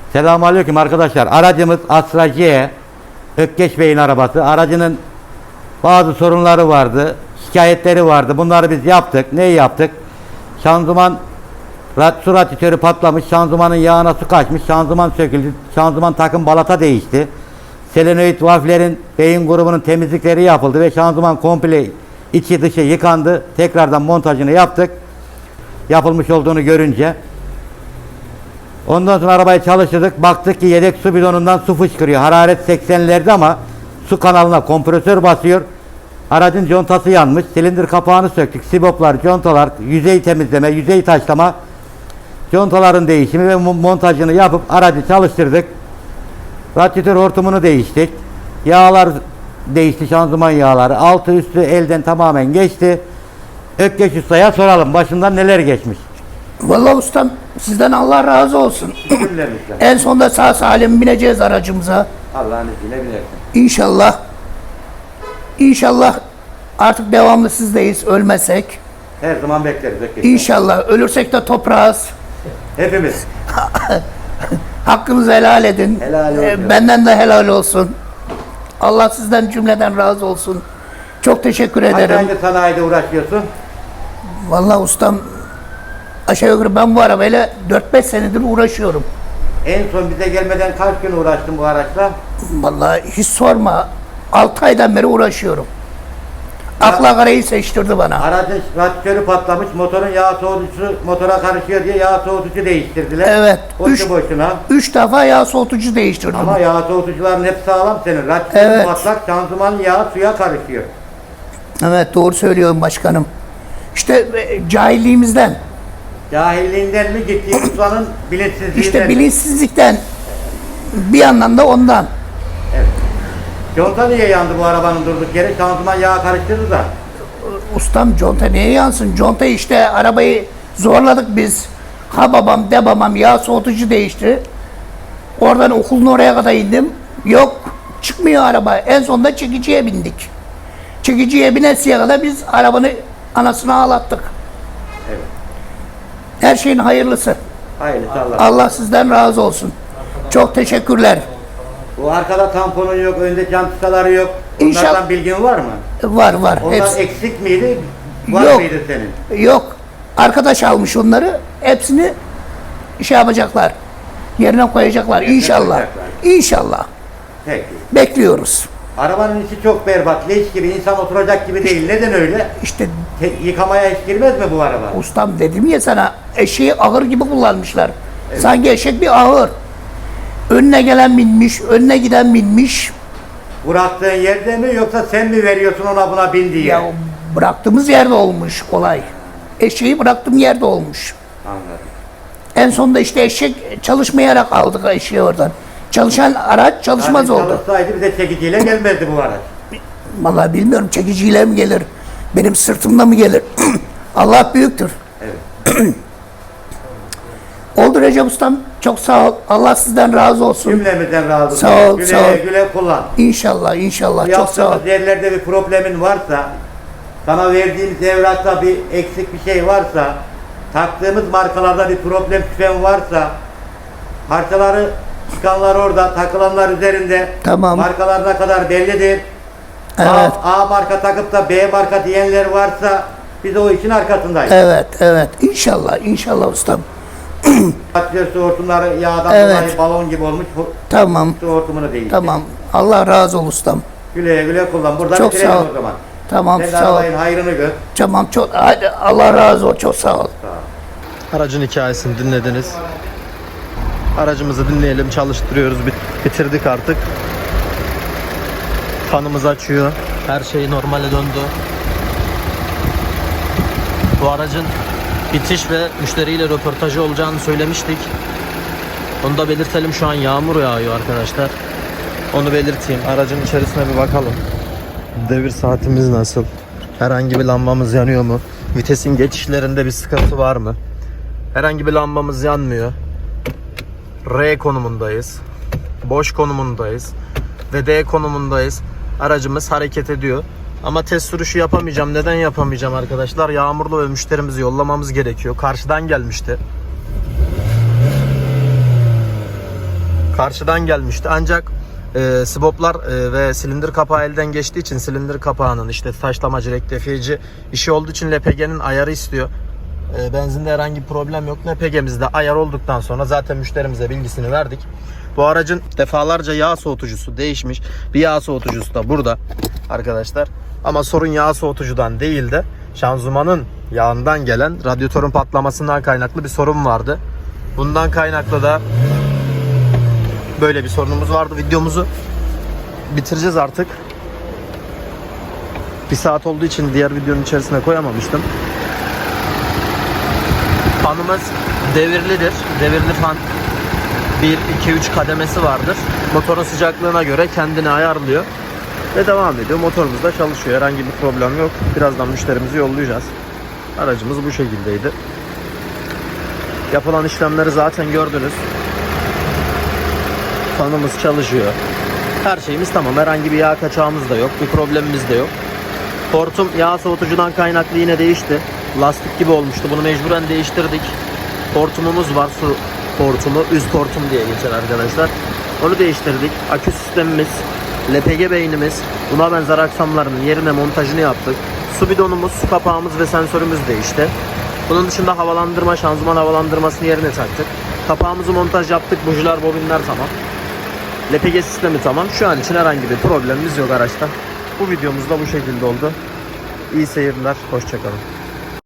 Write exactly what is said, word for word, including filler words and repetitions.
Selamünaleyküm arkadaşlar. Aracımız Astra C, Ökkeş Bey'in arabası. Aracının bazı sorunları vardı, şikayetleri vardı. Bunları biz yaptık. Neyi yaptık? Şanzıman su radyatörü patlamış, şanzımanın yağına su kaçmış, şanzıman söküldü, şanzıman takım balata değişti. Selenoid valflerin beyin grubunun temizlikleri yapıldı ve şanzıman komple içi dışı yıkandı. Tekrardan montajını yaptık. Yapılmış olduğunu görünce. Ondan sonra arabayı çalıştırdık. Baktık ki yedek su bidonundan su fışkırıyor. Hararet seksenlerde ama su kanalına kompresör basıyor. Aracın contası yanmış. Silindir kapağını söktük. Siboplar, contalar, yüzey temizleme, yüzey taşlama, contaların değişimi ve montajını yapıp aracı çalıştırdık. Radyatör hortumunu değiştik. Yağlar değişti, şanzıman yağları. Altı üstü elden tamamen geçti. Ökkeş Usta'ya soralım. Başından neler geçmiş? Vallahi ustam sizden Allah razı olsun. En sonunda sağ salim bineceğiz aracımıza. Allah'ın izniyle binersin. İnşallah. İnşallah artık devamlı sizdeyiz ölmesek. Her zaman bekleriz Ökkeş. İnşallah ölürsek de toprağız. Hepimiz. Hakkınızı helal edin. Helal olsun. Ee, Benden de helal olsun. Allah sizden cümleden razı olsun. Çok teşekkür Kaç ederim. aydır sanayide uğraşıyorsun? Vallahi ustam aşağı yukarı ben bu arabayla dört beş senedir uğraşıyorum. En son bize gelmeden kaç gün uğraştın bu araçla? Vallahi hiç sorma. altı aydan beri uğraşıyorum. Akla karayı seçtirdi bana. Aracın radyatörü patlamış, motorun yağ soğutucusu motora karışıyor diye yağ soğutucu değiştirdiler. Evet. Boşu Üç, boşuna. üç defa yağ soğutucu değiştirdim. Ama yağ soğutucuların hep sağlam senin. Radyatörün Evet. patlak, şanzıman yağı suya karışıyor. Evet doğru söylüyorum başkanım. İşte e, cahilliğimizden, Cahilliğinden mi gittiği ustanın bilinçsizliğinden işte mi? bilinçsizlikten, bir yandan da ondan. Evet. Conta niye yandı bu arabanın durduk yere? Şanzıman yağı karıştırdı da. Ustam conta niye yansın? Conta işte arabayı zorladık biz. Ha babam de babam yağ soğutucu değişti. Oradan okulun oraya kadar indim. Yok çıkmıyor araba. En sonunda çekiciye bindik. Çekiciye binesiye kadar biz arabanın anasını ağlattık. Evet. Her şeyin hayırlısı. Hayırlısı Allah. Allah sizden razı olsun. Çok teşekkürler. Bu arkada tamponun yok, önde cantıkaları yok. Onlardan İnşallah- bilgin var mı? Var var. Onlar Hepsi. eksik miydi? Var Yok. mıydı senin? Yok. Arkadaş almış onları. Hepsini şey yapacaklar. Yerine koyacaklar. İnşallah. koyacaklar. İnşallah. Peki. Bekliyoruz. Arabanın içi çok berbat, leş gibi, insan oturacak gibi değil. Neden öyle? İşte Te- yıkamaya hiç girmez mi bu araba? ustam dedim ya sana eşeği ahır gibi kullanmışlar. Sanki eşek bir ahır. Önüne gelen binmiş, önüne giden binmiş. Bıraktığın yerde mi yoksa sen mi veriyorsun ona buna bin diye? Ya bıraktığımız yerde olmuş olay. Eşeği bıraktığım yerde olmuş. Anladım. En sonunda işte eşek çalışmayarak aldık eşeği oradan. Çalışan araç çalışmaz Yani oldu. çalışsaydı bize çekiciyle gelmezdi bu araç. Vallahi bilmiyorum çekiciyle mi gelir, benim sırtımda mı gelir? Allah büyüktür. Evet. Oldu Recep Ustam, çok sağ ol. Allah sizden razı olsun. Cümlemizden razı olsun. Sağ ol, güle sağ ol. güle kullan. İnşallah, inşallah. Çok sağ ol. Yaptığımız yerlerde bir problemin varsa, sana verdiğimiz evrakta bir eksik bir şey varsa, taktığımız markalarda bir problem şüphen varsa, parçaları çıkanlar orada, takılanlar üzerinde, Tamam. markalarına kadar bellidir. Evet. A, A marka takıp da B marka diyenler varsa biz o işin arkasındayız. Evet, evet. İnşallah, inşallah ustam. Radyatör su hortumları yağdan Evet. dolayı balon gibi olmuş. Bu Tamam, su hortumunu değiştir. tamam. Allah razı olsun ustam. Güle güle kullan. Burada Çok bitirelim sağ ol. o zaman. Tamam, Sen de sağ ol. arabayın hayrını gör. Tamam, çok. Hadi Allah razı olsun. Çok sağ ol. Aracın hikayesini dinlediniz. Aracımızı dinleyelim, çalıştırıyoruz, bit- bitirdik artık. Fanımız açıyor. Her şey normale döndü. Bu aracın bitiş ve müşteriyle röportajı olacağını söylemiştik. Onu da belirtelim, şu an yağmur yağıyor arkadaşlar. Onu belirteyim. Aracın içerisine bir bakalım. Devir saatimiz nasıl? Herhangi bir lambamız yanıyor mu? Vitesin geçişlerinde bir sıkıntı var mı? Herhangi bir lambamız yanmıyor. R konumundayız. Boş konumundayız. Ve D konumundayız. Aracımız hareket ediyor. Ama test sürüşü yapamayacağım. Neden yapamayacağım arkadaşlar? Yağmurlu ve müşterimizi yollamamız gerekiyor. Karşıdan gelmişti. karşıdan gelmişti. Ancak e, siboplar e, ve silindir kapağı elden geçtiği için silindir kapağının işte taşlamacı, rektifiyeci işi olduğu için L P G'nin ayarı istiyor. E, benzinde herhangi bir problem yok. L P G'mizde ayar olduktan sonra zaten müşterimize bilgisini verdik. Bu aracın defalarca yağ soğutucusu değişmiş. Bir yağ soğutucusu da burada arkadaşlar. Ama sorun yağ soğutucudan değil de şanzımanın yağından gelen radyatörün patlamasından kaynaklı bir sorun vardı. Bundan kaynaklı da böyle bir sorunumuz vardı. Videomuzu bitireceğiz artık. Bir saat olduğu için diğer videonun içerisine koyamamıştım. Fanımız devirlidir. Devirli fan bir, iki, üç kademesi vardır. Motorun sıcaklığına göre kendini ayarlıyor ve devam ediyor. Motorumuz da çalışıyor. Herhangi bir problem yok. Birazdan müşterimizi yollayacağız. Aracımız bu şekildeydi. Yapılan işlemleri zaten gördünüz. Fanımız çalışıyor. Her şeyimiz tamam. Herhangi bir yağ kaçağımız da yok. Bir problemimiz de yok. Hortum yağ soğutucudan kaynaklı yine değişti. Lastik gibi olmuştu. Bunu mecburen değiştirdik. Hortumumuz var. Su hortumu. Üst hortum diye geçer arkadaşlar. Onu değiştirdik. Akü sistemimiz, L P G beynimiz, buna benzer aksamlarının yerine montajını yaptık. Su bidonumuz, su kapağımız ve sensörümüz değişti. Bunun dışında havalandırma, şanzıman havalandırmasını yerine taktık. Kapağımızı montaj yaptık. Bujiler, bobinler tamam. L P G sistemi tamam. Şu an için herhangi bir problemimiz yok araçta. Bu videomuz da bu şekilde oldu. İyi seyirler. Hoşçakalın.